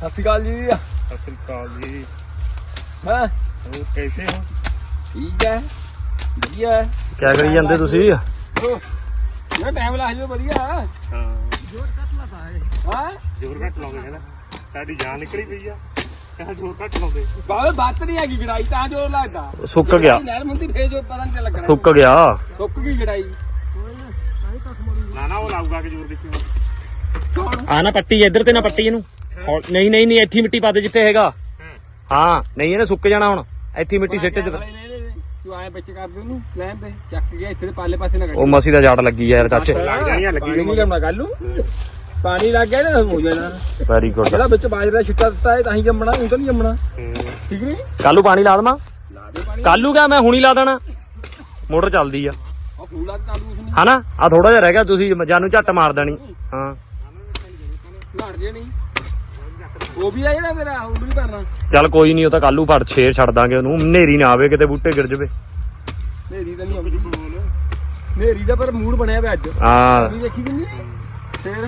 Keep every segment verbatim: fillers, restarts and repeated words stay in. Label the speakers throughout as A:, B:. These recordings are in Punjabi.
A: सत श्री अकाल जी।
B: सत श्री अकाल जी।
A: हाँ
B: और कैसे हो?
A: ठीक है बढ़िया है।
C: क्या करी ਜਾਂਦੇ ਤੁਸੀਂ?
A: ये टाइम ला जो बढ़िया है।
B: हाँ
A: जोर कट लगा है। हां
B: जोर घट लाਉਂਦੇ है ना ਸਾਡੀ ਜਾਨ ਨਿਕਲੀ ਪਈ ਆ ਕਹਾਂ ਜ਼ੋਰ ਘੱਟ ਲਾਉਂਦੇ
A: ਬਾਬੇ ਬਾਤ ਨਹੀਂ ਹੈਗੀ ਗੜਾਈ ਤਾਂ ਜ਼ੋਰ ਲੱਗਦਾ
C: ਸੁੱਕ ਗਿਆ
A: ਨਹਿਰ ਮੁੰਦੀ ਫੇਰ ਜੋ ਪਤਾ ਨਹੀਂ ਲੱਗਣਾ
C: ਸੁੱਕ ਗਿਆ
A: ਸੁੱਕ ਗਈ ਗੜਾਈ
B: ਨਾ ਨਾ ਉਹ ਲਾਊਗਾ ਕਿ ਜ਼ੋਰ ਦੇਖੀ
A: ਕੌਣ
C: ਆ ਨਾ ਪੱਟੀ ਇੱਧਰ ਤੇ ਨਾ ਪੱਟੀ ਇਹਨੂੰ ਹੌਲ- ਨਹੀਂ ਨਹੀਂ ਨਹੀਂ ਇੱਥੇ ਹੀ ਮਿੱਟੀ ਪਾ ਦੇ ਜਿੱਥੇ ਹੈਗਾ ਹਾਂ ਨਹੀਂ ਇਹਨੇ ਸੁੱਕ ਜਾਣਾ ਹੁਣ ਇੱਥੇ ਹੀ ਮਿੱਟੀ ਸਿੱਟ ਦੇ
A: ਤੂੰ ਆਏ ਵਿੱਚ ਕਰ ਦੇ ਉਹਨੂੰ ਲੈਣ ਤੇ ਚੱਕ ਗਿਆ ਇੱਥੇ ਦੇ ਪਾਲੇ ਪਾਸੇ ਨਾ
C: ਉਹ ਮਸੀ ਦਾ ਜੜ ਲੱਗੀ ਆ ਯਾਰ ਚਾਚੇ
B: ਲੱਗ ਜਾਣੀਆਂ ਲੱਗੀ
A: ਨਹੀਂ ਲਾਉਣਾ ਗੱਲ ਨੂੰ ਪਾਣੀ ਲੱਗ ਗਿਆ ਨਾ ਹੋ ਜਾਣਾ
C: ਵੈਰੀ ਗੁੱਡ
A: ਜਿਹੜਾ ਵਿੱਚ ਬਾਜਰਾ ਛਿੱਟਾ ਦਿੱਤਾ ਹੈ ਤਾਂ ਹੀ ਜੰਮਣਾ ਉਹ ਤਾਂ ਨਹੀਂ ਜੰਮਣਾ ਠੀਕ ਨਹੀਂ
C: ਕੱਲੂ ਪਾਣੀ ਲਾ ਦਵਾਂ
A: ਲਾ ਦੇ ਪਾਣੀ
C: ਕੱਲੂ ਕਿਆ ਮੈਂ ਹੁਣੀ ਲਾ ਦੇਣਾ ਮੋਟਰ ਚੱਲਦੀ ਆ
A: ਉਹ ਫੂਲਾ ਤੇ ਚਾਲੂ ਉਸਨੇ
C: ਹਨਾ ਆ ਥੋੜਾ ਜਿਹਾ ਰਹਿ ਗਿਆ ਤੁਸੀਂ ਜਾਨੂੰ ਝੱਟ ਮਾਰ ਦੇਣੀ ਹਾਂ
A: ਲੜ ਜੇ ਨਹੀਂ ਉਹ ਵੀ ਆ ਜਿਹੜਾ ਤੇਰਾ ਉਹ ਵੀ ਕਰਨਾ
C: ਚੱਲ ਕੋਈ ਨਹੀਂ ਉਹ ਤਾਂ ਕੱਲੂ ਫੜ ਛੇਰ ਛੱਡ ਦਾਂਗੇ ਉਹਨੂੰ ਹਨੇਰੀ ਨਾ ਆਵੇ ਕਿਤੇ ਬੂਟੇ ਗਿਰ ਜਵੇ
A: ਨੇਰੀ ਤਾਂ ਨਹੀਂ ਆਉਂਦੀ ਨੇਰੀ ਦਾ ਪਰ ਮੂਡ ਬਣਿਆ ਪਿਆ ਅੱਜ
C: ਹਾਂ
A: ਵੀ ਦੇਖੀ ਕਿੰਨੀ ਫੇਰ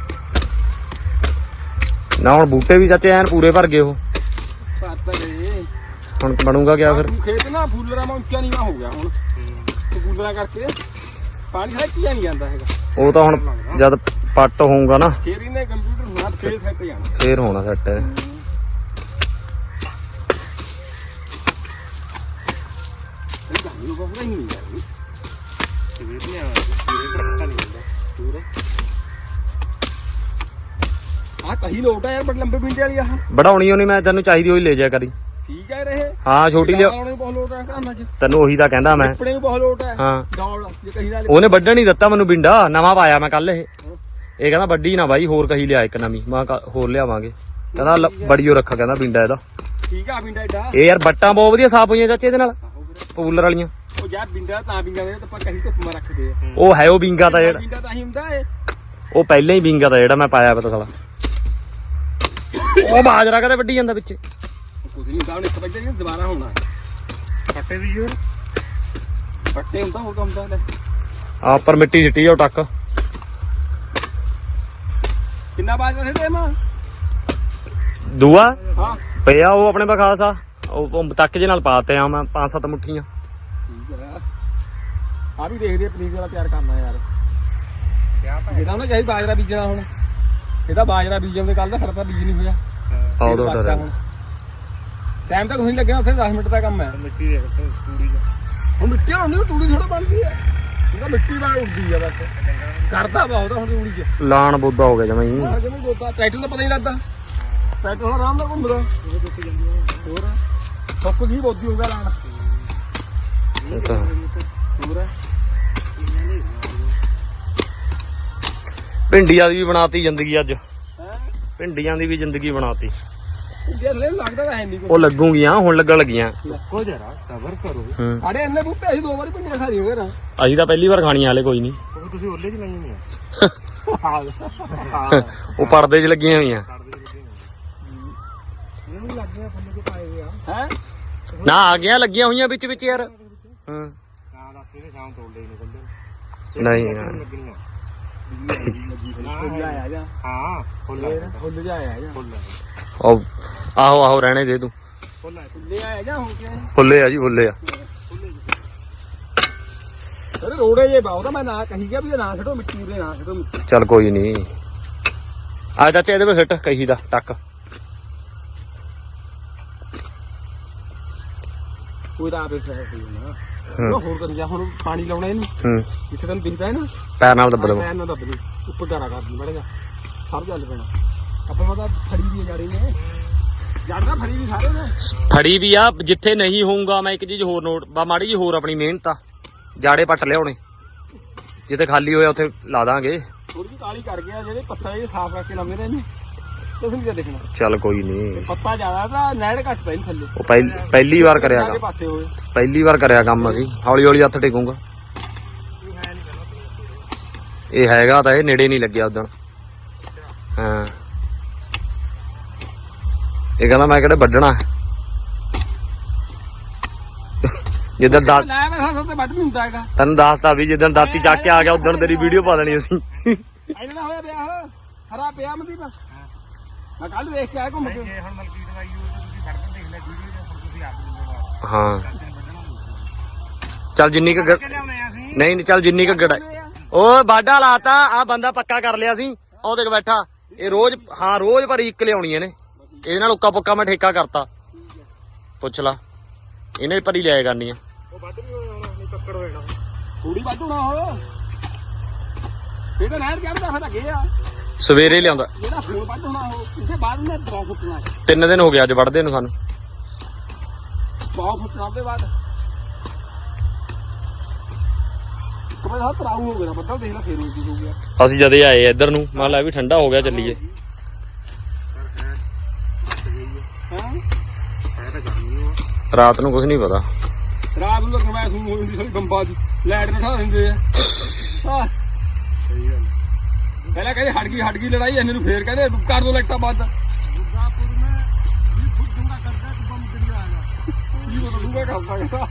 C: ਨਾ ਹੁਣ ਬੂਟੇ ਵੀ ਚਾਚੇ ਐਨ ਪੂਰੇ ਭਰ ਗਏ ਉਹ
A: ਪੱਤਾ ਦੇ
C: ਹੁਣ ਬਣੂਗਾ ਕਿਆ ਫਿਰ
A: ਖੇਤ ਨਾ ਫੁੱਲਰਾਂ ਮਾ ਉੱਚਾ ਨੀਵਾ ਹੋ ਗਿਆ ਹੁਣ ਫੁੱਲਰਾਂ ਕਰਕੇ ਪਾਣੀ ਹੈ ਕੀ ਨਹੀਂ ਜਾਂਦਾ ਹੈਗਾ
C: ਉਹ ਤਾਂ ਹੁਣ ਜਦ ਪੱਟ ਹੋਊਗਾ ਨਾ
A: ਫੇਰ ਇਹਨੇ ਕੰਪਿਊਟਰ ਨਾਲ ਫੇਰ ਸੈੱਟ ਜਾਣਾ
C: ਫੇਰ ਹੋਣਾ ਸੈੱਟ
A: ਇਹ ਗੱਲ ਨੂੰ ਬਹੁਤ ਨਹੀਂ ਯਾਰ
B: ਸਵੇਰ ਨਹੀਂ ਆਉਂਦਾ ਸਵੇਰ ਪਤਾ ਨਹੀਂ ਹੁੰਦਾ
A: ਆ ਕਹੀ ਲੋਟ ਆ ਯਾਰ ਬੜ ਲੰਬੇ ਪਿੰਡੇ ਵਾਲੀ ਆਹ
C: ਬਣਾਉਣੀ ਹੋਣੀ ਮੈਂ ਤੈਨੂੰ ਚਾਹੀਦੀ ਹੋਈ ਲੈ ਜਾ ਕਰੀ
A: ਠੀਕ ਹੈ ਰਹੇ
C: ਹਾਂ ਛੋਟੀ ਲਿਆ
A: ਲਾਉਣੇ ਬਹੁਤ ਲੋਟ ਆ ਕੰਨਾਂ 'ਚ
C: ਤੈਨੂੰ ਉਹੀ ਤਾਂ ਕਹਿੰਦਾ ਮੈਂ
A: ਕੱਪੜੇ ਵੀ ਬਹੁਤ ਲੋਟ ਆ
C: ਹਾਂ
A: ਡੌਲ ਜੇ ਕਹੀ ਨਾਲ
C: ਉਹਨੇ ਵੱਢਣ ਨਹੀਂ ਦਿੱਤਾ ਮੈਨੂੰ ਬਿੰਡਾ ਨਵਾਂ ਪਾਇਆ ਮੈਂ ਕੱਲ ਇਹ ਇਹ ਕਹਿੰਦਾ ਵੱਡੀ ਨਾ ਬਾਈ ਹੋਰ ਕਹੀ ਲਿਆ ਇੱਕ ਨਵੀਂ ਮੈਂ ਕਿਹਾ ਹੋਰ ਲਿਆਵਾਂਗੇ ਕਹਿੰਦਾ ਲ- ਬੜੀਓ ਰੱਖਾ ਕਹਿੰਦਾ ਬਿੰਡਾ ਇਹਦਾ
A: ਠੀਕ ਆ ਪਿੰਡਾ ਏਡਾ
C: ਇਹ ਯਾਰ ਬੱਟਾਂ ਬਹੁਤ ਵਧੀਆ ਸਾਫ ਹੋਈਆਂ ਚਾਚੇ ਇਹਦੇ ਨਾਲ ਪੂਲਰ ਵਾਲੀਆਂ
A: ਉਹ ਯਾਰ ਬਿੰਡਾ ਤਾਂ ਬਿੰਗਾ ਦੇ ਤਾਂ ਆਪਾਂ ਕਹੀ ਧੁੱਪ ਮਾ ਰੱਖਦੇ ਆ
C: ਉਹ ਹੈ ਉਹ ਬਿੰਗਾ ਤਾਂ ਜਿਹੜਾ
A: ਬਿੰਡਾ ਤਾਂ ਹੀ ਹੁੰਦਾ ਏ
C: ਉਹ ਪਹਿਲਾਂ ਹੀ ਬਿੰਗਾ ਤਾਂ ਜਿਹੜਾ ਮੈਂ ਪਾਇਆ ਪਤਾ ਸਾਲਾ ਉਹ ਬਾਜਰਾ ਕਦੇ ਵੱਢੀ ਜਾਂਦਾ ਵਿੱਚ
A: ਕੁਝ ਨਹੀਂ ਹੁੰਦਾ ਹੁਣ ਇੱਕ ਵਜੇ ਨਹੀਂ ਦੁਬਾਰਾ ਹੋਣਾ
B: ਫੱਟੇ ਦੀ ਜ਼ੋਰ
A: ਫੱਟੇ ਹੁੰਦਾ ਹੋਰ ਕੰਮ ਦਾ ਲੈ
C: ਆ ਉੱਪਰ ਮਿੱਟੀ ਸਿੱਟੀ ਜਾਓ ਟੱਕ
A: ਕਿੰਨਾ ਬਾਜ ਰਹੇ ਤੇ ਮਾਂ
C: ਦੂਆ
A: ਹਾਂ
C: ਪਿਆ ਉਹ ਆਪਣੇ ਪਾ ਖਾਸਾ ਉਹ ਉਹ ਤੱਕ ਜੇ ਨਾਲ ਪਾਤੇ ਆ ਮੈਂ ਪੰਜ ਸੱਤ ਮੁੱਠੀਆਂ
A: ਠੀਕ ਹੈ ਆ ਵੀ ਦੇਖਦੇ ਆ ਪਨੀਰ ਵਾਲਾ ਤਿਆਰ ਕਰਨਾ ਯਾਰ
B: ਕਿਆ ਪਾ
A: ਇਹਦਾ ਨਾ ਚਾਹੀ ਬਾਜਰਾ ਬੀਜਣਾ ਹੁਣ ਇਹਦਾ ਬਾਜਰਾ ਬੀਜਣ ਦੇ ਕੱਲ ਦਾ ਖੜਤਾ ਬੀਜ ਨਹੀਂ ਹੋਇਆ
C: ਆਹ ਦੋ ਡਰ
A: ਟਾਈਮ ਤਾਂ ਕੁਝ ਨਹੀਂ ਲੱਗਿਆ ਉੱਥੇ ਦਸ ਮਿੰਟ ਦਾ ਕੰਮ ਹੈ
B: ਮਿੱਟੀ ਦੇ ਤੂੜੀ ਦਾ
A: ਹੁਣ ਮਿੱਟੀ ਹੁੰਦੀ ਤਾਂ ਤੂੜੀ ਥੋੜਾ ਬਣਦੀ ਹੈ ਇਹਦਾ ਮਿੱਟੀ ਬਾਹਰ ਉੱਡਦੀ ਆ ਬਸ ਕਰਦਾ ਬਹੁਤ ਹੁਣ ਤੂੜੀ ਚ
C: ਲਾਣ ਬੋਦਾ ਹੋ ਗਿਆ ਜਮਾਂ ਹੀ
A: ਆਹ ਜਿਵੇਂ ਦੋਤਾ ਟਰੈਕਟਰ ਦਾ ਪਤਾ ਨਹੀਂ ਲੱਗਦਾ ਟਰੈਕਟਰ ਨਾਲ ਆਰਾਮ ਨਾਲ ਘੁੰਮਦਾ ਹੋਰ ਸੁੱਕ ਗਈ ਬੋਦੀ ਹੋ ਗਿਆ ਲਾਣ
C: ਇਹ ਤਾਂ
A: ਹੋਰ
C: ਭਿੰਡੀਆਂ ਦੀ ਵੀ ਬਣਾਤੀ ਜ਼ਿੰਦਗੀ ਅੱਜ
A: ਹੈ
C: ਭਿੰਡੀਆਂ ਦੀ ਵੀ ਜ਼ਿੰਦਗੀ ਬਣਾਤੀ
A: ਜੇ ਲੈ ਲੱਗਦਾ ਤਾਂ ਹੈ ਨਹੀਂ
C: ਉਹ ਲੱਗੂਗੀਆਂ ਹੁਣ ਲੱਗਣ ਲੱਗੀਆਂ
B: ਕੋ ਜਰਾ ਸਬਰ ਕਰੋ
C: ਹੂੰ
A: ਅਰੇ ਇੰਨੇ ਬੂਟੇ ਅਸੀਂ ਦੋ ਵਾਰੀ ਪਿੰਡੀਆਂ ਖਾ ਲਈ ਹੋ ਗਏ ਨਾ
C: ਅਸੀਂ ਤਾਂ ਪਹਿਲੀ ਵਾਰ ਖਾਣੀਆਂ ਹਲੇ ਕੋਈ ਨਹੀਂ
B: ਉਹ ਤੁਸੀਂ ਓਲੇ ਚ ਲਾਈਆਂ ਨਹੀਂ
A: ਹਾਂ
C: ਉਹ ਪਰਦੇ 'ਚ ਲੱਗੀਆਂ ਹੋਈਆਂ
B: ਇਹਨੂੰ ਲੱਗ ਗਿਆ ਫੰਦੇ ਚ ਪਾਏ ਹੋਏ ਆ
A: ਹੈ
C: ਨਾ ਆ ਗਿਆ ਲੱਗੀਆਂ ਹੋਈਆਂ ਵਿੱਚ ਵਿੱਚ ਯਾਰ ਹਾਂ
B: ਨਾ ਰਾਤੀ ਨੇ ਸ਼ਾਮ ਤੋੜ ਲਈ ਨਿਕਲਦੇ
C: ਨਹੀਂ ਯਾਰ।
B: ਲੱਗਣੀਆਂ
A: ਫੁੱਲ ਆਇਆ ਜਾ
B: ਹਾਂ ਫੁੱਲ
A: ਫੁੱਲ ਜਾ ਆਇਆ ਜਾ
B: ਫੁੱਲ
C: ਉਹ ਆਹੋ ਆਹੋ ਰਹਿਣੇ ਦੇ ਤੂੰ
B: ਫੁੱਲ
A: ਫੁੱਲੇ ਆਇਆ ਜਾ ਹੋ ਕੇ
C: ਫੁੱਲੇ ਆ ਜੀ ਫੁੱਲੇ ਆ
A: ਅਰੇ ਰੋੜੇ ਜੇ ਬਾਉ ਤਾਂ ਮੈਂ ਨਾ ਕਹੀ ਗਿਆ ਵੀ ਇਹ ਨਾ ਛੱਡੋ ਮਿੱਟੀ ਦੇ ਨਾ ਛੱਡੋ ਮਿੱਟੀ
C: ਚੱਲ ਕੋਈ ਨਹੀਂ ਆ ਚਾਚਾ ਇਹਦੇ ਵਿੱਚ ਸਿੱਟ ਕਹੀ ਦਾ ਟੱਕ
A: ਕੋਈ ਤਾਂ ਆਪੇ ਫੇਰ ਸਹੀ ਨਾ
C: ਹੂੰ।
A: ਉਹ ਹੋਰ ਕਰ ਜਾ ਹੁਣ ਪਾਣੀ ਲਾਉਣਾ ਇਹਨੂੰ
C: ਹੂੰ
A: ਜਿੱਥੇ ਤੈਨੂੰ ਦਿਖਦਾ ਹੈ ਨਾ
C: ਪੈਰ ਨਾਲ ਦੱਬ ਲਵਾਂ
A: ਪੈਰ ਨਾਲ ਦੱਬ ਲਈ ਉੱਪਰ ਡਾਰਾ ਕਰਦੀ ਬੜੇਗਾ ਸਭ ਚੱਲ ਪੈਣਾ ਆਪਾਂ ਪਤਾ ਫੜੀ ਵੀ ਜਾ ਰਹੀ ਨੇ ਜੜਦਾ ਫੜੀ ਵੀ ਸਾਰੇ ਨੇ
C: ਫੜੀ ਵੀ ਆ ਜਿੱਥੇ ਨਹੀਂ ਹੋਊਗਾ ਮੈਂ ਇੱਕ ਚੀਜ਼ ਹੋਰ ਨੋਟ ਬਾ ਮਾੜੀ ਜੀ ਹੋਰ ਆਪਣੀ ਮਿਹਨਤ ਆ ਜਾੜੇ ਪੱਟ ਲਿਆਉਣੇ ਜਿੱਥੇ ਖਾਲੀ ਹੋਇਆ ਉੱਥੇ ਲਾ ਦਾਂਗੇ
A: ਥੋੜੀ ਜਿਹੀ ਕਾਲੀ ਕਰ ਗਿਆ ਜਿਹੜੇ ਪੱਤਾ ਇਹ ਸਾਫ਼ ਕਰਕੇ ਲਾਉਂਦੇ ਨੇ ਇਹਨੂੰ ਤੁਸੀਂ ਕੀ ਦੇਖਣਾ
C: ਚੱਲ ਕੋਈ ਨਹੀਂ
A: ਪੱਤਾ ਜ਼ਿਆਦਾ ਤਾਂ ਨੈੜ ਘੱਟ ਪੈ ਨਹੀਂ ਥੱਲੇ
C: ਉਹ ਪਹਿ- ਪਹਿਲੀ ਵਾਰ ਕਰਿਆ
A: ਆਗੇ
C: ਕੰਮ
A: ਪਾਸੇ ਹੋਏ
C: ਪਹਿਲੀ ਵਾਰ ਕਰਿਆ ਕੰਮ ਅਸੀਂ ਹੌਲੀ ਹੌਲੀ ਹੱਥ ਟੇਕੂਗਾ ਇਹ ਹੈਗਾ ਤਾਂ ਇਹ ਨੇੜੇ ਨਹੀਂ ਲੱਗਿਆ ਉਦਣ ਹਾਂ ਇਹ ਕਹਿੰਦਾ ਮੈਂ ਕਿਹੜੇ ਵੱਢਣਾ ਜਿੱਦਣ ਦਾ
A: ਲੈ ਮੈਂ ਸਾਥ ਤੇ ਵੱਢ ਨਹੀਂ ਹੁੰਦਾ ਹੈਗਾ
C: ਤੈਨੂੰ ਦੱਸਤਾ ਵੀ ਜਿੱਦਣ ਦਾਤੀ ਚੱਕ ਕੇ ਆ ਗਿਆ ਉਦਣ ਤੇਰੀ ਵੀਡੀਓ ਪਾ ਦੇਣੀ ਅਸੀਂ
A: ਇਹਨਾਂ ਦਾ ਹੋਇਆ ਪਿਆ ਹਰਾ ਪਿਆ ਮਨਦੀਪ ਮੈਂ ਕੱਲ ਦੇਖ ਕੇ ਆਇਆ ਘੁੰਮ ਕੇ।
B: ਜੇ ਹੁਣ ਮਲਕੀਤ ਬਾਈ ਉਹ ਤੁਸੀਂ ਫੜਨ ਦੇਖ ਲੈ ਵੀਡੀਓ ਦੇ ਹੁਣ ਤੁਸੀਂ ਆਪ ਜ਼ਿੰਮੇਵਾਰ
C: ਹਾਂ
B: ਚਾਚੇ ਨੂੰ ਵੱਢਣਾ
C: ਚੱਲ ਜਿੰਨੀ ਕੁ ਗ-
B: ਕਿ ਲਿਆਉਣੇ ਆ ਅਸੀਂ
C: ਨਹੀਂ ਨਹੀਂ ਚੱਲ ਜਿੰਨੀ ਕੁ ਗੜਾ ਉਹ ਬਾਡਾ ਲਾਤਾ ਆ ਬੰਦਾ ਪੱਕਾ ਕਰ ਲਿਆ ਸੀ ਉਹ ਦੇਖ ਬੈਠਾ ਇਹ ਰੋਜ਼ ਹਾਂ ਰੋਜ਼ ਭਰੀ ਇੱਕ ਲਿਆਉਣੀ ਇਹਨੇ ਇਹਦੇ ਨਾਲ ਉੱਕਾ ਪੁੱਕਾ ਮੈਂ ਠੇਕਾ ਕਰਤਾ ਪੁੱਛ ਲਾ ਇਹਨੇ ਭਰੀ ਲਿਆਇਆ ਕਰਨੀ ਆ
B: ਉਹ ਵੱਢ ਵੀ ਹੋਇਆ ਹੁਣ ਨਹੀਂ ਪੱਕੜ ਹੋਣਾ
A: ਥੋੜੀ ਵੱਧ ਹੋਣਾ ਉਹ ਇਹ ਤਾਂ ਨਹਿਰ ਚੜਦਾ ਫਿਰ ਅੱਗੇ ਆ
C: ਸਵੇਰੇ ਲਿਆਉਂਦਾ
A: ਜਿਹੜਾ ਫੋਨ ਵੱਧ ਹੋਣਾ ਉਹ ਉਹਦੇ ਬਾਅਦ ਉਹਨੇ ਬਹੁਤ ਫੁੱਟਣਾ
C: ਤਿੰਨ ਦਿਨ ਹੋ ਗਏ ਅੱਜ ਵੜਦੇ ਨੂੰ ਸਾਨੂੰ
A: ਬਹੁਤ ਫੁੱਟਣਾ ਉਹਦੇ ਬਾਅਦ ਕਮੇ ਦਾ ਤਰਾਉ ਹੋ ਗਿਆ ਬੱਦਲ ਦੇਖ ਲੈ ਫੇਰ ਉਹ ਕੀ ਹੋ ਗਿਆ
C: ਅਸੀਂ ਜਦੇ ਆਏ ਇੱਧਰ ਨੂੰ ਮੈਂ ਲੈ ਵੀ ਠੰਡਾ ਹੋ ਗਿਆ ਚੱਲੀਏ
B: ਪਰ ਹੈ ਮੱਤ ਗਈ ਹੈ
A: ਹਾਂ
B: ਹੈ ਤਾਂ ਗਰਮੀ ਉਹ
C: ਰਾਤ ਨੂੰ ਕੁਝ ਨਹੀਂ ਪਤਾ
A: ਰਾਤ ਨੂੰ ਤਾਂ ਮੈਂ ਸੂ ਹੋਈ ਸਾਰੀ ਬੰਬਾ ਦੀ ਲਾਈਟ ਬਿਠਾ ਦਿੰਦੇ ਆ ਹਾਂ
B: ਸਹੀ ਗੱਲ
A: ਪਹਿਲਾਂ ਕਹਿੰਦੇ ਹਟ ਗਈ ਹਟ ਗਈ ਲੜਾਈ ਇਹਨੇ ਨੂੰ ਫੇਰ ਕਹਿੰਦੇ ਕਰ ਦੋ ਲਾਈਟਾਂ ਬੰਦ ਦੁਰਗਾਪੁਰ ਮੈਂ ਵੀ ਖੁਦ ਦੂੰਗਾ ਕਰਦਾ ਕਿ ਬੰਬ ਦਰਿਆ ਆਗਾ ਕੀ ਉਹ ਦੂੰਗਾ ਕਰਦਾ ਕਹਿੰਦਾ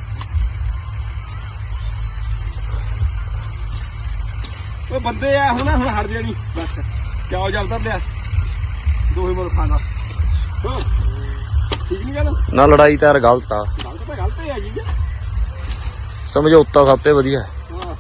A: ਉਹ ਬੰਦੇ ਆ ਹੁਣ ਹੁਣ ਹਟ ਜਾਣੀ ਬਸ ਕਿਉਂ ਜਲਦਾ ਪਿਆ ਦੋਹੇ ਮੁਲ ਖਾਣਾ ਹਾਂ ਠੀਕ ਨਹੀਂ ਗੱਲ
C: ਨਾ ਲੜਾਈ ਤਾਂ ਯਾਰ ਗਲਤ ਆ
A: ਗਲਤ ਤਾਂ ਗਲਤ ਹੀ ਆ ਜੀ
C: ਸਮਝੌਤਾ ਸਭ ਤੋਂ ਵਧੀਆ
A: ਹਾਂ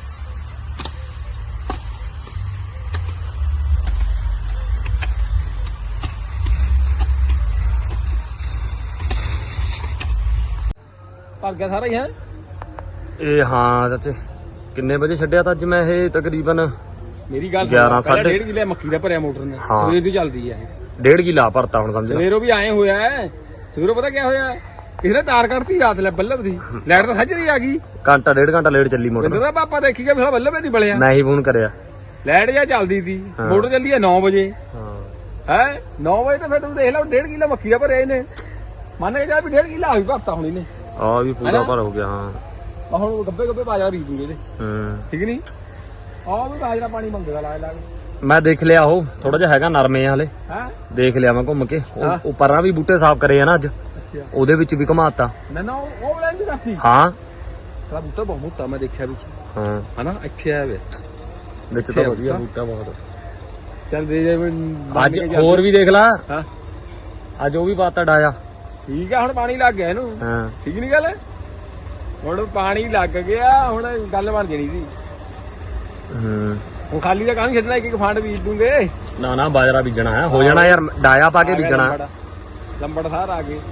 A: ਭਰ ਗਿਆ ਸਾਰਾ ਹੀ ਹੈ
C: ਇਹ ਹਾਂ ਚਾਚੇ ਕਿੰਨੇ ਵਜੇ ਛੱਡਿਆ ਤਾਂ ਅੱਜ ਮੈਂ ਇਹ ਤਕਰੀਬਨ
A: ਮੇਰੀ ਗੱਲ
C: ਗਿਆਰਾਂ ਸਾਢੇ-
A: ਡੇਢ ਕਿਲੇ ਮੱਕੀ ਦਾ ਭਰਿਆ ਮੋਟਰ ਨੇ
C: ਹਾਂ।
A: ਸਵੇਰ ਦੀ ਚੱਲਦੀ ਹੈ ਇਹ
C: ਡੇਢ ਕਿਲਾ ਭਰਤਾ ਹੁਣ ਸਮਝ ਲੈ
A: ਸਵੇਰੋਂ ਵੀ ਆਏ ਹੋਇਆ ਹੈ ਸਵੇਰੋਂ ਪਤਾ ਕਿਆ ਹੋਇਆ ਕਿਸੇ ਨੇ ਤਾਰ ਕੱਢਤੀ ਰਾਤ ਲੈ ਬੱਲਬ ਦੀ ਲਾਈਟ ਤਾਂ ਸੱਜਰੀ ਆ ਗਈ
C: ਘੰਟਾ ਡੇਢ ਘੰਟਾ ਲੇਟ ਚੱਲੀ
A: ਕਹਿੰਦਾ
C: ਮੋਟਰ
A: ਤਾਂ ਪਾਪਾ ਦੇਖੀ ਗਿਆ ਫਿਰ ਬੱਲਬ ਹੀ ਨਹੀਂ ਬਲਿਆ
C: ਮੈਂ ਹੀ ਫੋਨ ਕਰਿਆ
A: ਲਾਈਟ ਜਾਂ ਚੱਲਦੀ ਸੀ
C: ਹਾਂ।
A: ਮੋਟਰ ਚੱਲੀ ਹੈ ਨੌ ਵਜੇ
C: ਹਾਂ
A: ਹੈ ਨੌ ਵਜੇ ਤਾਂ ਫਿਰ ਤੂੰ ਦੇਖ ਲੈ ਡੇਢ ਕਿਲਾ ਮੱਕੀ ਦਾ ਭਰਿਆ ਇਹਨੇ ਮੰਨ ਕੇ ਜਾ ਵੀ ਡੇਢ ਕਿਲਾ ਹੋਈ ਭਰਤਾ ਹੁਣ ਇਹਨੇ
C: ਆ ਵੀ ਪੂਰਾ ਭਰ ਹੋ ਗਿਆ ਹਾਂ
A: ਆ ਹੁਣ ਗੱਬੇ ਗੱਬੇ ਬਾਜਰਾ ਬੀਜ ਦੂੰਗੇ ਇਹਦੇ
C: ਹੂੰ
A: ਠੀਕ ਨਹੀਂ ਆਹ ਵੀ ਬਾਜਰਾ ਪਾਣੀ ਮੰਗਦਾ ਲਾ ਲਾ
C: ਮੈਂ ਦੇਖ ਲਿਆ ਉਹ ਥੋੜਾ ਜਿਹਾ ਹੈਗਾ ਨਰਮੇ ਆ ਹਲੇ
A: ਹੈ
C: ਦੇਖ ਲਿਆ ਮੈਂ ਘੁੰਮ ਕੇ
A: ਹਾਂ।
C: ਉਹ ਉਹ ਪਰਾਂ ਵੀ ਬੂਟੇ ਸਾਫ਼ ਕਰੇ ਆ ਨਾ ਅੱਜ
A: ਅੱਛਾ
C: ਉਹਦੇ ਵਿੱਚ ਵੀ ਘਮਾਤਾ
A: ਨਾ ਨਾ ਉਹ ਉਹ ਲੈਂਦੀ ਰੱਖੀ
C: ਹਾਂ
A: ਸਾਲਾ ਬੂਟਾ ਬਹੁਤ ਮੋਟਾ ਮੈਂ ਦੇਖਿਆ ਵਿੱਚ
C: ਹਾਂ
A: ਹਨਾ ਇੱਥੇ ਆਇਆ ਵੇ
C: ਵਿੱਚ ਤਾਂ ਵਧੀਆ ਬੂਟਾ ਬਹੁਤ
A: ਚੱਲ ਦੇ ਜਾ
C: ਅੱਜ ਹੋਰ ਵੀ ਦੇਖ ਲਾ
A: ਹਾਂ
C: ਅੱਜ ਉਹ ਵੀ ਪਾਤਾ ਡਾਇਆ
A: ਠੀਕ ਆ ਹੁਣ ਪਾਣੀ ਲੱਗ ਗਿਆ ਇਹਨੂੰ
C: ਹਾਂ
A: ਠੀਕ ਨਹੀਂ ਗੱਲ ਹੁਣ ਪਾਣੀ ਲੱਗ ਗਿਆ ਹੁਣ ਗੱਲ ਬਣ ਜਣੀ ਸੀ
C: ਹੂੰ
A: ਹੁਣ ਖਾਲੀ ਦਾ ਕਾਹਨੂੰ ਛੱਡਣਾ ਇੱਕ ਇੱਕ ਫੰਡ ਬੀਜ ਦੂੰਗੇ
C: ਨਾ ਨਾ ਬਾਜਰਾ ਬੀਜਣਾ ਹੈ ਹੋ ਜਾਣਾ ਯਾਰ ਡਾਇਆ ਪਾ ਕੇ ਬੀਜਣਾ
A: ਲੰਬੜ- ਲੰਬੜ ਸਾਰ ਆ ਗਏ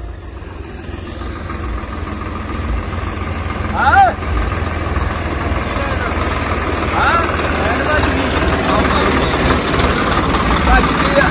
A: ਹਾਂ ਹਾਂ ਐਂਡ ਬਾਜੀ ਬਾਜੀ ਕੀ ਆ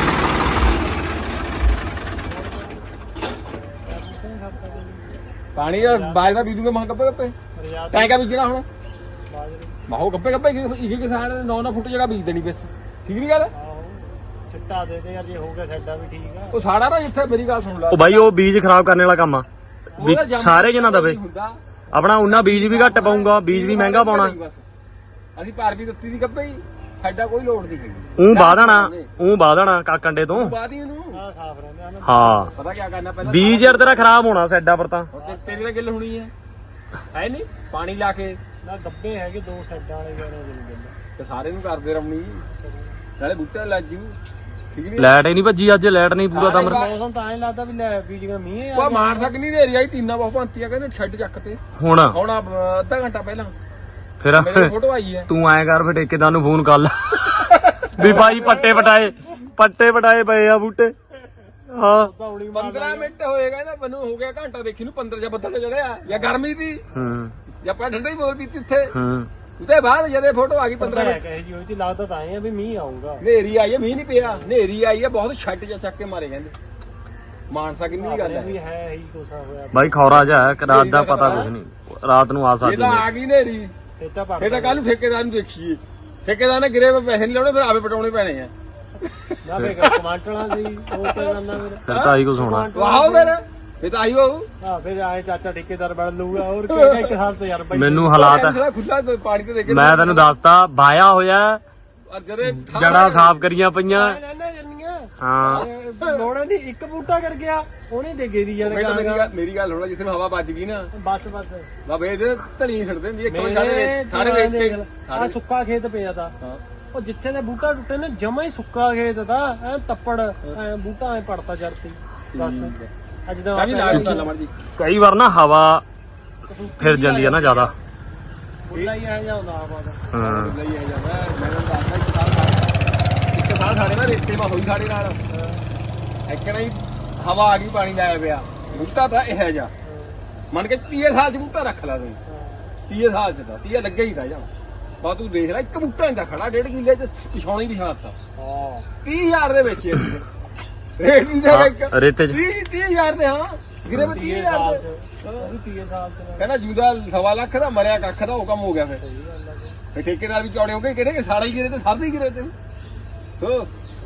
A: ਪਾਣੀ ਦਾ ਬਾਜਰਾ ਬੀਜੂਗਾ ਮਹਾਂ ਗੱਪੇ ਗੱਪੇ ਟੈਂਕਾ ਬੀਜਣਾ ਹੁਣ ਮਾਹੋ ਗੱਪੇ ਗੱਪੇ ਇੱਕ ਕਿਸਾਨ ਨੇ ਨੌ ਨੌ ਫੁੱਟ ਜਗ੍ਹਾ ਬੀਜ ਦੇਣੀ ਬਸ ਠੀਕ ਨਹੀਂ ਗੱਲ
B: ਚਿੱਟਾ ਦੇ ਦੇ ਯਾਰ ਜੇ ਹੋ ਗਿਆ ਸਾਡਾ ਵੀ ਠੀਕ ਆ
A: ਉਹ ਸਾੜਾ ਨਾ ਜਿੱਥੇ ਮੇਰੀ ਗੱਲ ਸੁਣ ਲੈ
C: ਉਹ ਬਾਈ ਉਹ ਬੀਜ ਖਰਾਬ ਕਰਨ ਵਾਲਾ ਕੰਮ ਆ ਵੀ
A: ਉਹਦਾ ਜੰਮ
C: ਸਾਰੇ ਜਨਾਂ ਦਵੇ
A: ਹੁੰਦਾ
C: ਆਪਣਾ ਉਹਨਾਂ ਬੀਜ ਵੀ ਘੱਟ ਪਾਉਂਗਾ ਬੀਜ ਵੀ ਮਹਿੰਗਾ ਪਾਉਣਾ
A: ਬਸ। ਅਸੀਂ ਭਰ ਵੀ ਦਿੱਤੀ ਦੀ ਗੱਪੇ ਹੀ ਸਾਡਾ ਕੋਈ ਲੋੜ ਨਹੀਂ ਹੈਗੀ
C: ਉਹ ਬਾਦਣਾ ਉਹ ਬਾਦਣਾ ਕਾਕੰਡੇ ਤੋਂ
A: ਬਾਅਦ ਹੀ ਇਹਨੂੰ
B: ਆ ਸਾਫ ਰਹਿੰਦੇ ਆ ਨਾ
C: ਹਾਂ
A: ਪਤਾ ਕੀ ਕਰਨਾ ਪਹਿਲਾਂ
C: ਬੀਜ ਯਾਰ ਤੇਰਾ ਖਰਾਬ ਹੋਣਾ ਸੈਡਾ ਪਰ ਤਾਂ
A: ਹੁਣ ਤੇ- ਤੇਰੀ ਤਾਂ ਗਿੱਲ ਹੋਣੀ ਹੈ ਹੈ ਨਹੀਂ ਪਾਣੀ ਲਾ ਕੇ
B: ਨਾ ਗੱਬੇ ਹੈਗੇ ਦੋ ਸਾਈਡਾਂ ਵਾਲੇ ਯਾਰ ਉਹ
A: ਤੇ ਸਾਰੇ ਨੂੰ ਕਰਦੇ ਰਮਣੀ ਨਾਲੇ ਬੂਟਾ ਲੱਜੂ ਠੀਕ ਨਹੀਂ
C: ਲਾਈਟ ਹੀ ਨਹੀਂ ਭੱਜੀ ਅੱਜ ਲਾਈਟ ਨਹੀਂ ਪੂਰਾ ਤਾਂ
B: ਮੌਸਮ ਤਾਂ ਐਂ ਲੱਗਦਾ ਵੀ ਲੈ ਬੀਜੀਆਂ ਮੀਂਹ ਆ
A: ਉਹ ਮਾਰ ਸਕ ਨਹੀਂ ਨੇਰੀ ਆਈ ਟੀਨਾ ਬਹੁਤ ਭੰਤੀਆਂ ਕਹਿੰਦੇ ਛੱਡ ਚੱਕ ਤੇ
C: ਹੁਣ
A: ਹੁਣ ਆ, ਅੱਧਾ ਘੰਟਾ ਪਹਿਲਾਂ
C: ਫਿਰ
A: ਮੇਰੇ ਫੋਟੋ ਆਈ ਹੈ
C: ਤੂੰ ਐਂ ਕਰ ਫਿਰ ਠੇਕੇਦਾਰ ਨੂੰ ਫੋਨ ਕਰ ਲੈ ਵੀ ਭਾਈ ਪੱਟੇ ਪਟਾਏ ਪੱਟੇ ਪਟਾਏ ਪਏ ਆ ਬੂਟੇ ਹਾਂ
B: ਪੌੜੀ
A: ਪੰਦਰਾਂ ਮਿੰਟ ਹੋਏਗਾ ਨਾ ਮੈਨੂੰ ਹੋ ਗਿਆ ਘੰਟਾ ਦੇਖੀ ਨੂੰ ਪੰਦਰਾਂ ਜਾਂ ਬੱਦਲ ਚੜਿਆ ਜਾਂ ਗਰਮੀ ਦੀ
C: ਹੂੰ
A: ਜਾਂ ਆਪਾਂ ਠੰਡਾ ਹੀ ਬੋਲ ਪੀਤੀ ਇੱਥੇ
C: ਹੂੰ
A: ਉਹਦੇ ਬਾਅਦ ਜਦੇ ਫੋਟੋ ਆ ਗਈ ਪੰਦਰਾਂ ਮਿੰਟ
B: ਕਹੇ ਜੀ ਹੋਈ ਸੀ ਲੱਗਦਾ ਤਾਂ ਐ ਆ ਵੀ ਮੀਂਹ ਆਊਗਾ
A: ਹਨੇਰੀ ਆਈ ਹੈ ਮੀਂਹ ਨਹੀਂ ਪਿਆ ਹਨੇਰੀ ਆਈ ਹੈ ਬਹੁਤ ਛੱਟ ਜਾਂ ਚੱਕ ਕੇ ਮਾਰੇ ਕਹਿੰਦੇ ਮਾਨਸਾ ਕਿੰਨੀ ਦੀ ਗੱਲ ਹੈ
B: ਵੀ ਹੈ ਹੀ ਕੋਸਾ ਹੋਇਆ
C: ਬਾਈ ਖੌਰਾ ਜਾ ਰਾਤ ਦਾ ਪਤਾ ਕੁਝ ਨਹੀਂ ਰਾਤ ਨੂੰ ਆ
A: ਇਹ
C: ਸਕਦੀ
A: ਤਾਂ
C: ਹੈ
A: ਆ ਗਈ ਹਨੇਰੀ
B: ਇਹ ਤਾਂ
A: ਇਹ ਤਾਂ ਕੱਲ ਨੂੰ ਠੇਕੇਦਾਰ ਨੂੰ ਦੇਖੀਏ ਠੇਕੇਦਾਰ ਨੇ ਗਿਰੇ ਪੈਸੇ ਨਹੀਂ ਲਾਉਣੇ ਫਿਰ ਆਪੇ ਪਟਾਉਣੇ ਪੈਣੇ ਆ
B: ਨਾ ਵੇ ਕਮਾਂਟਲਾਂ ਸੀ ਉਹ ਤੇ ਕਰਨਾ ਫਿਰ
C: ਫਿਰ ਤਾਂ ਆਹੀ ਕੁਝ ਹੋਣਾ
A: ਵਾਹੋ ਫਿਰ ਇਹ ਤਾਂ ਆਈ ਹੋਊ
B: ਹਾਂ ਫਿਰ ਆਏ ਚਾਚਾ ਠੇਕੇਦਾਰ ਬਣ ਲਊਗਾ ਹੋਰ ਕੀ ਇੱਕ ਸਾਲ ਤੇ ਯਾਰ ਬਾਈ
C: ਮੈਨੂੰ ਹਾਲਾਤ
A: ਖੁੱਲਾ ਪਾਣੀ ਤੇ ਦੇਖ
C: ਮੈਂ ਤੈਨੂੰ ਦੱਸਦਾ ਬਾਇਆ ਹੋਇਆ
A: ਔਰ ਜਦੇ
C: ਜੜਾ ਸਾਫ਼ ਕਰੀਆਂ ਪਈਆਂ
B: ਨਾ ਜੰਨੀਆਂ
C: ਹਾਂ
B: ਲੋੜਾ ਨਹੀਂ ਇੱਕ ਬੂਟਾ ਕਰ ਗਿਆ ਉਹਨੇ ਦੇ ਗਈ ਦੀ
A: ਮੈਂ ਤਾਂ
B: ਜਾਨ
A: ਮੇਰੀ ਗੱਲ ਮੇਰੀ ਗੱਲ ਹੋਣਾ ਜਿੱਥੇ ਹਵਾ ਵੱਜ ਗਈ ਨਾ
B: ਬਸ ਬਸ
A: ਬਾਬੇ ਇਹਦੇ ਧਲੀ ਛੱਡ ਦਿੰਦੀ ਇੱਕ ਵਾਰ
B: ਮੇਰੇ
A: ਸਾਰੇ ਸਾਰੇ ਵੇਖ ਕੇ
B: ਆ ਸੁੱਕਾ ਖੇਤ ਪਿਆ ਤਾਂ
A: ਹਾਂ
D: ਉਹ ਜਿੱਥੇ ਦੇ ਬੂਟਾ ਟੁੱਟੇ ਨੇ ਜਮਾ ਹੀ ਸੁੱਕਾ ਖੇਤ ਦਾ ਐ ਤੱਪੜ ਐ ਬੂਟਾ ਐ ਪੜਤਾ ਚੜਤੀ ਬਸ ਅੱਜ ਦਾ
A: ਵੀ ਲਾ ਦਿੱਤਾ ਲਮੜ ਜੀ
C: ਕਈ ਵਾਰ ਨਾ ਹਵਾ ਫਿਰ ਜਾਂਦੀ ਹੈ ਨਾ ਜ਼ਿਆਦਾ
D: ਬੁੱਲਾ ਹੀ ਆ ਜਾਂਦਾ ਹਵਾ ਦਾ
C: ਹਾਂ
A: ਲਈ ਆ ਜਾਂਦਾ ਮੈਂ ਤੁਹਾਨੂੰ ਦੱਸਦਾ ਇੱਕ ਸਾਲ ਸਾਡੇ ਇੱਕ ਸਾਲ ਸਾਡੇ ਨਾਲ ਰੇਤੇ ਮਾ ਹੋਈ ਸਾਡੇ ਨਾਲ ਇੱਕਣਾ ਹੀ ਹਵਾ ਆ ਗਈ ਪਾਣੀ ਲਾਇਆ ਪਿਆ ਬੂਟਾ ਤਾਂ ਇਹ ਜਾ ਮੰਨ ਕੇ ਤੀਹ ਸਾਲ ਚ ਬੂਟਾ ਰੱਖ ਲਾ ਤੂੰ ਤੀਹ ਸਾਲ ਚ ਤਾਂ ਤੀਹ ਲੱਗੇ ਹੀ ਤਾਂ ਜਾਂ ਬਾ ਤੂੰ ਦੇਖ ਲੈ ਇੱਕ ਬੂਟਾ ਇੰਦਾ ਖੜਾ ਡੇਢ ਕਿੱਲੇ ਚ ਪਿਛਾਉਣੀ ਵੀ ਹਾਤਾ
D: ਹਾਂ
A: ਤੀਹ ਹਜ਼ਾਰ ਦੇ ਵਿੱਚ ਰੇਟ ਨਹੀਂ ਦੇ ਇੱਕ
C: ਰੇਤੇ ਚ
A: ਤੀਹ ਤੀਹ ਹਜ਼ਾਰ ਦੇ ਹਾਂ ਗਿਰੇ ਮੈਂ ਤੀਹ ਹਜ਼ਾਰ ਦੇ
D: ਉਹ ਤੀਹ ਸਾਲ ਤੇ
A: ਕਹਿੰਦਾ ਜੂਦਾ ਸਵਾ ਲੱਖ ਦਾ ਮਰਿਆ ਕੱਖ ਦਾ ਉਹ ਕੰਮ ਹੋ ਗਿਆ ਫਿਰ ਫਿਰ ਠੇਕੇਦਾਰ ਵੀ ਚੌੜੇ ਹੋ ਗਏ ਕਿਹੜੇ ਸਾਲਾ ਹੀ ਗਿਰੇ ਤੇ ਸਾਰੇ ਹੀ ਗਿਰੇ ਤੇ ਹੋ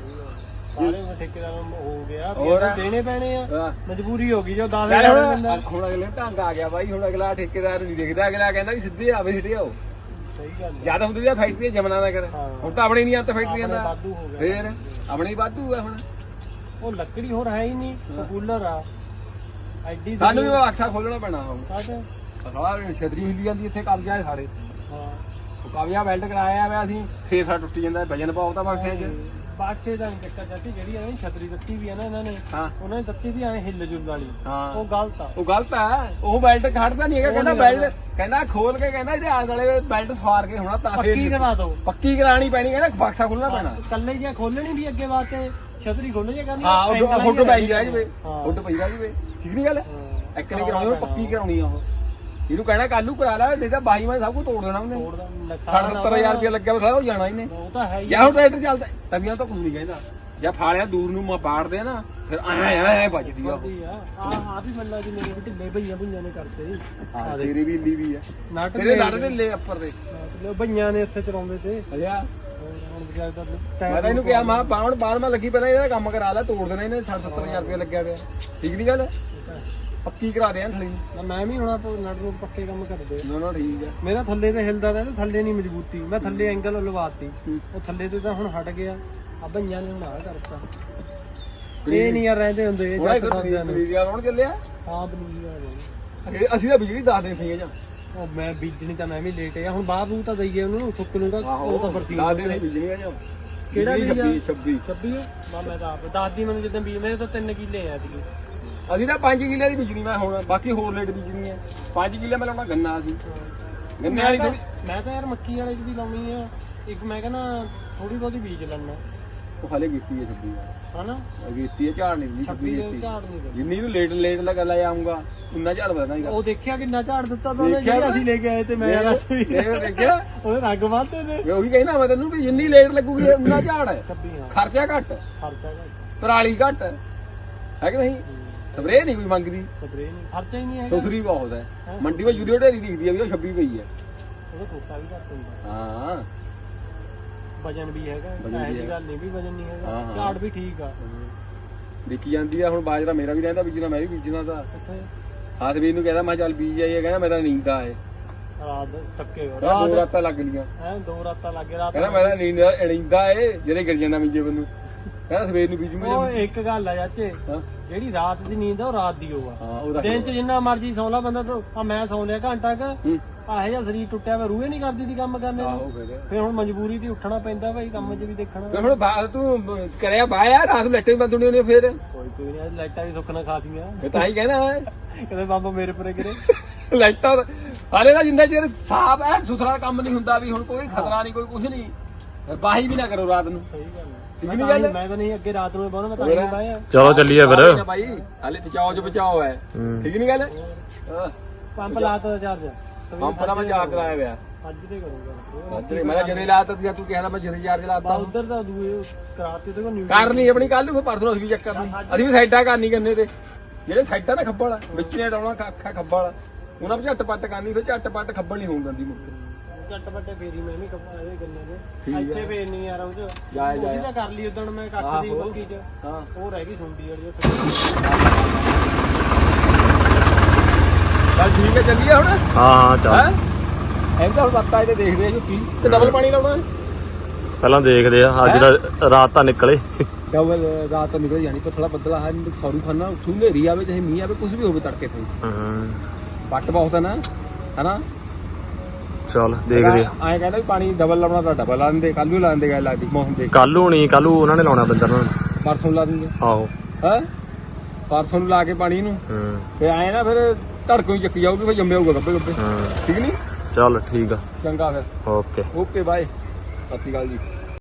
D: ਸਾਰੇ ਠੇਕੇਦਾਰ ਹੋ ਗਿਆ
A: ਹੋਰ?
D: ਦੇਣੇ ਪੈਣੇ ਆ
A: ਹਾਂ।
D: ਮਜਬੂਰੀ ਹੋ ਗਈ ਜੋ ਦਸ
A: ਚੱਲ
D: ਹਜ਼ਾਰ
A: ਹੁਣ
D: ਦਿੰਦਾ
A: ਹੁਣ ਅਗਲੇ ਨੂੰ ਢੰਗ ਆ ਗਿਆ ਬਾਈ ਹੁਣ ਅਗਲਾ ਠੇਕੇਦਾਰ ਨਹੀਂ ਦੇਖਦਾ ਅਗਲਾ ਕਹਿੰਦਾ ਵੀ ਸਿੱਧੇ ਆਵੇ ਸਿੱਧੇ ਆਓ
D: ਸਹੀ ਗੱਲ ਹੈ
A: ਜਿਆਦਾ ਹੁੰਦੀ ਆ ਫੈਕਟਰੀ ਜਮਨਾ ਦਾ ਕਰ
D: ਹਾਂ।
A: ਹੁਣ ਤਾਂ ਆਪਣੇ ਨਹੀਂ ਆਤਾ ਫੈਕਟਰੀਆਂ
D: ਆਪਣੇ
A: ਦਾ
D: ਵਾਧੂ ਹੋ ਗਿਆ
A: ਫੇਰ ਆਪਣੇ ਹੀ ਵਾਧੂ ਆ ਹੁਣ
D: ਉਹ ਲੱਕੜੀ ਹੋਰ ਹੈ ਹੀ ਨਹੀਂ ਉਹ ਕੂਲਰ ਆ ਐਡੀ
A: ਸਾਨੂੰ ਵੀ ਉਹ ਅਕਸਾ ਖੋਲਣਾ ਪੈਣਾ ਹੁਣ
D: ਸਾਡੇ
A: ਸਾਲਾ ਛਤਰੀ ਹਿੱਲੀ ਜਾਂਦੀ ਇੱਥੇ ਕਬਜ਼ਾ ਹੈ ਸਾਡੇ
D: ਹਾਂ
A: ਉਹ ਕਬਜ਼ਾ ਵੈਲਡ ਕਰਾਇਆ ਵਾ ਅਸੀਂ ਫੇਰ ਸਾ ਟੁੱਟ ਜਾਂਦਾ ਵਜਨ ਪਾਉ ਤਾਂ ਬਕਸਿਆਂ 'ਚ
D: ਬਾਕਸੇ ਦਾ ਨੀ ਚੱਕਰ ਚਾਚੀ ਜਿਹੜੀ ਐਵੇਂ ਛਤਰੀ ਦਿੱਤੀ ਵੀ ਆ ਨਾ ਇਹਨਾਂ ਨੇ
A: ਹਾਂ
D: ਉਹਨਾਂ ਨੇ ਦਿੱਤੀ ਵੀ ਐਵੇਂ ਹਿੱਲ ਜੁਲ ਵਾਲੀ
A: ਹਾਂ
D: ਉਹ ਗਲਤ ਆ
A: ਉਹ ਗਲਤ ਆ ਉਹ ਬੈਲਟ ਖੜਦਾ ਨਹੀਂ ਹੈਗਾ ਕਹਿੰਦਾ ਬੈਲਟ ਕਹਿੰਦਾ ਖੋਲ ਕੇ ਕਹਿੰਦਾ ਇਹਦੇ ਆਲੇ ਵਾਲੇ ਬੈਲਟ ਸਵਾਰ ਕੇ ਹੋਣਾ ਤਾਂ
D: ਪੱਕੀ ਕਰਾ ਦੋ
A: ਪੱਕੀ ਕਰਾਣੀ ਪੈਣੀ ਕਹਿੰਦਾ ਬਕਸਾ ਖੁੱਲਣਾ ਪੈਣਾ
D: ਕੱਲੇ ਜਿਹਾ ਖੋਲਣੀ ਵੀ ਅੱਗੇ ਵਾਸਤੇ ਛਤਰੀ ਖੋਲ ਜੇ ਕਰਨੀ
A: ਹਾਂ ਉਹ ਹੁੱਡ ਪਈ ਜਾ ਜਵੇ
D: ਹਾਂ।
A: ਹੁੱਡ ਪਈ ਜਾ ਜਵੇ ਠੀਕ ਨਹੀਂ ਗੱਲ
D: ਹਾਂ।
A: ਇੱਕ ਨਹੀਂ ਕਰਾਉਣੀ ਉਹ ਪੱਕੀ ਕਰਾਉਣੀ ਆ ਉਹ ਇਹਨੂੰ ਕਹਿਣਾ ਕੱਲੂ ਕਰਾ ਲੈ ਨਹੀਂ ਤਾਂ ਬਾਈ ਮੈਂ ਸਭ ਕੁਝ ਤੋੜ ਦੇਣਾ ਉਹਨੇ
D: ਤੋੜ ਦਾ
A: ਸਾਢੇ
D: ਨੁਕਸਾਨ
A: ਸੱਤਰ ਹਜ਼ਾਰ ਰੁਪਇਆ ਲੱਗਿਆ ਵਾ ਉਹ ਜਾਣਾ ਇਹਨੇ
D: ਉਹ ਤਾਂ ਹੈ ਹੀ
A: ਜਾਂ ਹੁਣ ਟਰੈਕਟਰ ਚੱਲਦਾ ਤਵੀਆਂ ਤਾਂ ਕੁਝ ਨਹੀਂ ਕਹਿੰਦਾ ਜਾਂ ਫਾਲਿਆ ਦੂਰ ਨੂੰ ਮਾ ਬਾੜਦੇ ਆ ਨਾ ਫਿਰ ਐ ਐ ਐ ਵੱਜਦੀ ਆ ਉਹ
D: ਕਰਦੀ ਆ ਆ ਆ ਵੀ ਮੱਲਾ ਜੀ ਮੇਰੇ ਢਿੱਲੇ ਭਈਆਂ ਭਈਆਂ ਨੇ ਕਰਤੇ
A: ਹਾਂ ਤੇਰੀ ਵੀ ਇੱਲੀ ਵੀ ਆ
D: ਨਟ
A: ਤੇਰੇ ਲੱਟ ਦੇ ਲੈ ਉੱਪਰ ਦੇ
D: ਲੈ ਭਈਆਂ ਨੇ ਉੱਥੇ ਚਲਾਉਂਦੇ ਤੇ
A: ਅਜਾ
D: ਹੁਣ ਵਿਚਾਰ ਦਾ
A: ਮੈਂ ਤਾਂ ਇਹਨੂੰ ਕਿਹਾ ਮਾ ਬਾਵਣ ਬਾਹਰ ਮੈਂ ਲੱਗੀ ਪਹਿਲਾਂ ਇਹਦਾ ਕੰਮ ਕਰਾ ਲੈ ਤੋੜ ਦੇਣਾ ਇਹਨੇ ਸੱਠ ਸੱਤਰ ਹਜ਼ਾਰ ਰੁਪਇਆ ਲੱਗਿਆ ਪਿਆ ਠੀਕ ਨਹੀਂ ਗੱਲ ਪੱਕੀ ਕਰਾ ਦੇ ਥਲੀ
D: ਮੈਂ ਵੀ ਹੁਣ ਨਟ ਨੂੰ ਪੱਕੇ ਕੰਮ ਕਰਦੇ
A: ਨਾ ਨਾ ਠੀਕ ਆ
D: ਮੇਰਾ ਥੱਲੇ ਤੇ ਹਿਲਦਾ ਤਾਂ ਥੱਲੇ ਨਹੀਂ ਮਜ਼ਬੂਤੀ ਮੈਂ ਥੱਲੇ ਐਂਗਲ ਲਵਾਤੀ ਉਹ ਥੱਲੇ ਤੇ ਤਾਂ ਹੁਣ ਹਟ ਗਿਆ ਆ ਭਈਆਂ ਨੇ ਹੁਣ ਆ ਕਰਤਾ ਇਹ ਨਹੀਂ ਯਾਰ ਰਹਿੰਦੇ ਹੁੰਦੇ ਇਹ
A: ਉਹਦਾ
D: ਜੱਟ ਬੰਦਿਆਂ ਨੇ
A: ਪਨੀਰੀਆ ਲਾਉਣ ਚੱਲਿਆ
D: ਹਾਂ ਬਣੀ ਆ
A: ਇਹ ਅਸੀਂ ਤਾਂ ਬਿਜਲੀ ਦੱਸ ਦੇ ਫੀਆਂ ਜਾਂ
D: ਉਹ ਮੈਂ ਬੀਜਣੀ ਤਾਂ ਮੈਂ ਵੀ ਲੇਟ ਆ ਹੁਣ ਬਾਹਰ ਨੂੰ ਤਾਂ ਦਈਏ ਉਹਨੂੰ ਸੁੱਕ ਨੂੰ ਤਾਂ ਉਹ ਤਾਂ ਫਰਸੀ
A: ਦੱਸ ਦੇ ਬਿਜਲੀ ਆ ਜਾਂ
D: ਕਿਹੜਾ ਬੀਜ ਆ?
A: ਛੱਬੀ
D: ਛੱਬੀ ਆ ਮੈਂ ਤਾਂ ਆਪ ਦੱਸਦੀ ਮੈਨੂੰ ਜਦੋਂ ਬੀਜ ਮੇਰੇ ਤਾਂ ਤਿੰਨ ਕਿੱਲੇ ਆ ਸੀਗੇ
A: ਅਸੀਂ ਤਾਂ ਪੰਜ ਕਿੱਲੇ ਦੀ ਬੀਜਣੀ ਮੈਂ ਹੁਣ ਬਾਕੀ ਹੋਰ ਲੇਟ ਬੀਜਣੀ ਹੈ ਪੰਜ ਕਿੱਲੇ ਮੈਂ ਲਾਉਣਾ ਗੰਨਾ ਸੀ ਗੰਨੇ ਵਾਲੀ ਥੋੜੀ
D: ਮੈਂ ਤਾਂ ਯਾਰ ਮੱਕੀ ਵਾਲੇ ਦੀ ਲਾਉਣੀ ਆ ਇੱਕ ਮੈਂ ਕਹਿੰਦਾ ਥੋੜੀ ਬਹੁਤੀ ਬੀਜ ਲੈਣਾ
A: ਉਹ ਹਲੇ ਕੀਤੀ ਹੈ ਛੱਬੀ
D: ਹਨਾ
A: ਕੀਤੀ ਹੈ ਝਾੜ ਨਹੀਂ ਦੀ
D: ਛੱਬੀ
A: ਛੱਬੀ
D: ਦੇ
A: ਕੀਤੀ
D: ਝਾੜ ਨਹੀਂ
A: ਜਿੰਨੀ ਨੂੰ ਲੇਟ ਲੇਟ ਲਗਾ ਲੈ ਆਉਂਗਾ ਉਨਾ ਝਾੜ ਵਧਣਾ ਹੀ
D: ਉਹ ਦੇਖਿਆ ਕਿੰਨਾ ਝਾੜ ਦਿੱਤਾ ਤਾਂ ਉਹਨੇ
A: ਦੇਖਿਆ
D: ਜਿਹੜਾ ਅਸੀਂ ਲੈ ਕੇ ਆਏ ਤੇ ਮੈਂ ਯਾਰ ਅੱਜ ਵੀ
A: ਇਹ ਦੇਖਿਆ
D: ਉਹਦੇ ਰੰਗ ਵਾਤੇ ਤੇ
A: ਮੈਂ ਉਹੀ ਕਹਿਣਾ ਮੈਂ ਤੈਨੂੰ ਵੀ ਜਿੰਨੀ ਲੇਟ ਲੱਗੂਗੀ ਉਨਾ ਝਾੜ ਹੈ
D: ਛੱਬੀ ਹਾਂ
A: ਖਰਚਾ ਘੱਟ
D: ਖਰਚਾ ਘੱਟ
A: ਪਰਾਲੀ ਘੱਟ ਹੈ ਕਿ ਨਹੀਂ ਸਪਰੇਅ ਨਹੀਂ ਕੋਈ ਮੰਗਦੀ
D: ਸਪਰੇ ਨਹੀਂ ਖਰਚਾ ਹੀ ਨਹੀਂ ਹੈ
A: ਸੁਸਰੀ ਬਹੁਤ ਹੈ ਮੰਡੀ ਵਿੱਚ ਯੂਰੀਆ ਢੇਰੀ ਦਿਖਦੀ ਆ ਵੀ ਉਹ ਛੱਬੀ ਪਈ ਹੈ
D: ਉਹਦਾ ਕੋਟਾ ਵੀ ਘੱਟ ਹੁੰਦਾ
A: ਹਾਂ
D: ਵਜਨ ਵੀ ਹੈਗਾ
A: ਵਜ਼ਨ ਵੀ
D: ਐਸੀ
A: ਹੈਗਾ।
D: ਗੱਲ ਨਹੀਂ ਵੀ ਵਜਨ ਨਹੀਂ
A: ਹਾਂ,
D: ਹੈਗਾ
A: ਹਾਂ।
D: ਝਾੜ ਵੀ ਠੀਕ ਆ
A: ਦੇਖੀ ਜਾਂਦੀ ਆ ਹੁਣ ਬਾਜਰਾ ਮੇਰਾ ਵੀ ਰਹਿੰਦਾ ਬੀਜਣਾ ਮੈਂ ਵੀ ਬੀਜਣਾ ਤਾਂ
D: ਇੱਥੇ
A: ਹਾਥ ਵੀ ਇਹਨੂੰ ਕਹਿੰਦਾ ਮੈਂ ਕਿਹਾ ਚੱਲ ਬੀਜ ਆਈਏ ਕਹਿੰਦਾ ਮੇਰਾ ਨੀਂਦ ਆ ਏ
D: ਰਾਤ ਥੱਕੇ ਹੋ
A: ਕਹਿੰਦਾ ਦੋ
D: ਰਾਤ
A: ਰਾਤਾਂ ਲੱਗ ਲੀਆਂ
D: ਐ ਦੋ ਰਾਤਾਂ ਲੱਗੇ ਰਾਤ
A: ਕਹਿੰਦਾ ਮੇਰਾ ਨੀਂਦ ਨੀਂਦਾ ਏ ਜਿਹੜੇ ਗਿਰ ਜਾਂਦਾ ਬੀਜੇ ਬੰਨੂ ਕਹਿੰਦਾ ਸਵੇਰ ਨੂੰ ਬੀਜੂਗਾ
D: ਉਹ ਇੱਕ ਗੱਲ ਆ ਚਾਚੇ
A: ਹਾਂ
D: ਜਿਹੜੀ ਰਾਤ ਦੀ ਨੀਂਦ ਆ ਉਹ ਰਾਤ ਦੀ ਹੋਆ
A: ਹਾਂ ਉਹ
D: ਦਿਨ ਚ ਜਿੰਨਾ ਮਰਜੀ ਸੌ ਲਾ ਬੰਦਾ ਤਾਂ ਆ ਮੈਂ ਸੌਂ ਲਿਆ ਘੰਟਾ ਕ
A: ਹੂੰ
D: ਆਹੇ ਜਿਹਾ ਸਰੀਰ ਟੁੱਟਿਆ ਵਾ ਰੂਹੇ ਨਹੀਂ ਕਰਦੀ ਸੀ ਕੰਮ ਕਰਨੇ ਨੂੰ
A: ਆਹੋ ਫਿਰ
D: ਫਿਰ ਹੁਣ ਮਜਬੂਰੀ ਤੇ ਉੱਠਣਾ ਪੈਂਦਾ ਭਾਈ ਕੰਮ 'ਚ ਵੀ ਦੇਖਣਾ
A: ਤੇ ਹੁਣ ਬਾ- ਤੂੰ ਕਰਿਆ ਬਾਇਆ ਰਾਤ ਨੂੰ ਲੈਟੇ ਬੰਦ ਹੋਣੀ ਫਿਰ
D: ਕੋਈ ਕੋਈ ਨਹੀਂ ਲਾਈਟਾਂ ਵੀ ਸੁੱਖ ਨਾਲ ਖਾਸੀਆਂ
A: ਫਿਰ ਤਾਂ ਹੀ ਕਹਿੰਦਾ
D: ਕਦੇ ਬਾਬਾ ਮੇਰੇ ਪਰੇ ਗਿਰੇ
A: ਲਾਈਟਾਂ ਹਾਲੇ ਤਾਂ ਜਿੰਦਾ ਚਿਰ ਸਾਫ ਐ ਸੁਥਰਾ ਕੰਮ ਨਹੀਂ ਹੁੰਦਾ ਵੀ ਹੁਣ ਕੋਈ ਖਤਰਾ ਨਹੀਂ ਕੋਈ ਕੁਝ ਨਹੀਂ ਫਿਰ ਬਾਹੀ ਵੀ ਨਾ ਕਰੋ ਰਾਤ ਨੂੰ
D: ਸਹੀ ਗੱਲ ਹੈ
A: ਠੀਕ
D: ਮੈਂ
A: ਨੀ
D: ਤਾਂ
A: ਗੱਲ?
D: ਨਹੀਂ- ਮੈਂ ਤਾਂ ਨਹੀਂ ਅੱਗੇ ਰਾਤ ਨੂੰ ਬਹੁਤ ਮੈਂ ਤਾਂ ਨਹੀਂ ਬਾਇਆ
C: ਚਲੋ ਚੱਲੀਏ ਫਿਰ
A: ਨਾ ਭਾਈ ਹਾਲੇ ਬਚਾਓ ਚ ਬਚਾਓ ਹੈ
C: ਹੂੰ।
A: ਠੀਕ ਨਹੀਂ ਗੱਲ ਹਾਂ
D: ਪੰਪ ਲਾਤਾ ਚਾਰਜ
A: ਪੰਪ ਦਾ ਮੈਂ ਚਾਰਜ ਲਾਇਆ ਹੋਇਆ
D: ਅੱਜ ਤੇ ਕਰੂੰਗਾ
A: ਅੱਜ ਮੈਂ ਤਾਂ ਜਦੇ ਲਾਤਾ ਜਾਂ ਤੂੰ ਕਹਿੰਦਾ ਮੈਂ ਜਦੇ ਚਾਰਜ
D: ਬਾ
A: ਲਾਤਾ
D: ਉਧਰ ਦਾ ਦੂਏ ਕਰਾਤੇ ਤੇ ਕੋ ਨਿਊ
A: ਕਰ ਲਈ ਆਪਣੀ ਕੱਲ ਨੂੰ ਫਿਰ ਪਰਸੋਂ ਅਸੀਂ ਵੀ ਚੈੱਕ ਕਰਨੀ ਅਸੀਂ ਵੀ ਸਾਈਡਾਂ ਕਰਨੀ ਕੰਨੇ ਤੇ ਜਿਹੜੇ ਸਾਈਡਾਂ ਦਾ ਖੱਬਲ ਵਿੱਚ ਨੇ ਡਾਉਣਾ ਅੱਖਾਂ ਖੱਬਲ ਉਹਨਾਂ ਵਿੱਚ ਝੱਟ ਪੱਟ ਕਰਨੀ ਫਿਰ ਝੱਟ ਪੱਟ ਖੱਬਲ ਨਹੀਂ ਹੋਣ ਦਿੰਦੀ ਮੁੱਕ
D: ਚੱਟ ਵੱਟੇ ਫੇਰੀ ਮੈਂ ਵੀ ਕੱਪਾ ਇਹ ਗੰਨੇ
A: ਠੀਕ
D: ਦੇ
A: ਹੈ।
D: ਇੱਥੇ ਫੇਰ ਨਹੀਂ ਯਾਰ ਉਹ ਚ
A: ਜਾਏ ਜਾਏ
D: ਉਹਦੀ ਤਾਂ ਕਰ ਲਈ ਉਦਣ ਮੈਂ ਕੱਖ ਦੀ
A: ਆਹੋ।
D: ਬੱਕੀ ਚ
A: ਹਾਂ
D: ਉਹ ਰਹਿ ਗਈ ਸੁੰਡੀ ਵਾਲੀ ਉੱਥੇ
A: ਚੱਲ ਠੀਕ ਹੈ ਚੱਲੀਏ ਹੁਣ
C: ਹਾਂ ਹਾਂ ਚੱਲ
A: ਹੈ ਐਂ ਤਾਂ ਹੁਣ ਬੱਤਾ ਇਹਦੇ ਦੇਖਦੇ ਆ ਝੁੱਕੀ ਤੇ ਡਬਲ ਪਾਣੀ ਲਾਉਣਾ
C: ਪਹਿਲਾਂ ਦੇਖਦੇ ਆ ਅੱਜ ਦਾ ਰਾਤ ਤਾਂ ਨਿਕਲੇ
A: ਡਬਲ ਰਾਤ ਤੋਂ ਨਿਕਲ ਜਾਣੀ ਪਰ ਥੋੜਾ ਬੱਦਲਾ ਹੈ ਖੌਰੂ ਖਾਨਾ ਉੱਥੋਂ ਹਨੇਰੀ ਆਵੇ ਚਾਹੇ ਮੀਂਹ ਆਵੇ ਕੁਝ ਵੀ ਹੋਵੇ ਤੜਕੇ ਤੋਂ
C: ਹਾਂ
A: ਪੱਟ ਬਹੁਤ ਹੈ ਨਾ ਹਨਾ
C: ਚੱਲ ਦੇਖਦੇ ਆ।
A: ਐਂ ਕਹਿੰਦਾ ਵੀ ਪਾਣੀ ਡਬਲ ਲਾਉਣਾ ਤਾਂ ਡਬਲ ਲਾ ਦਿੰਦੇ, ਕੱਲ ਨੂੰ ਲਾ ਦਿੰਦੇ ਗੱਲ ਲੱਗਦੀ ਮੌਸਮ ਦੇ।
C: ਕੱਲ ਨੂੰ ਨਹੀਂ, ਕੱਲ ਨੂੰ ਉਹਨਾਂ ਨੇ ਲਾਉਣਾ ਬੰਦਰ ਨਾਲ।
A: ਪਰਸੋਂ ਲਾ ਦਿੰਦੇ
C: ਆਹੋ
A: ਹੈ, ਪਰਸੋਂ ਨੂੰ ਲਾ ਕੇ ਪਾਣੀ ਨੂੰ
C: ਹੂੰ
A: ਫੇ ਆਏ ਨਾ, ਫਿਰ ਧੜਕੋਂ ਹੀ ਚੱਕੀ ਜਾਊਗੀ, ਫਿਰ ਜੰਮੇ ਹੋਊਗਾ ਗੱਬੇ ਗੱਬੇ।
C: ਹਾਂ
A: ਠੀਕ ਨਹੀਂ,
C: ਚੱਲ ਠੀਕ ਆ,
A: ਚੰਗਾ ਫਿਰ,
C: ਓਕੇ।
A: ਓਕੇ ਬਾਏ, ਸਤਿ ਸ਼੍ਰੀ ਅਕਾਲ ਜੀ।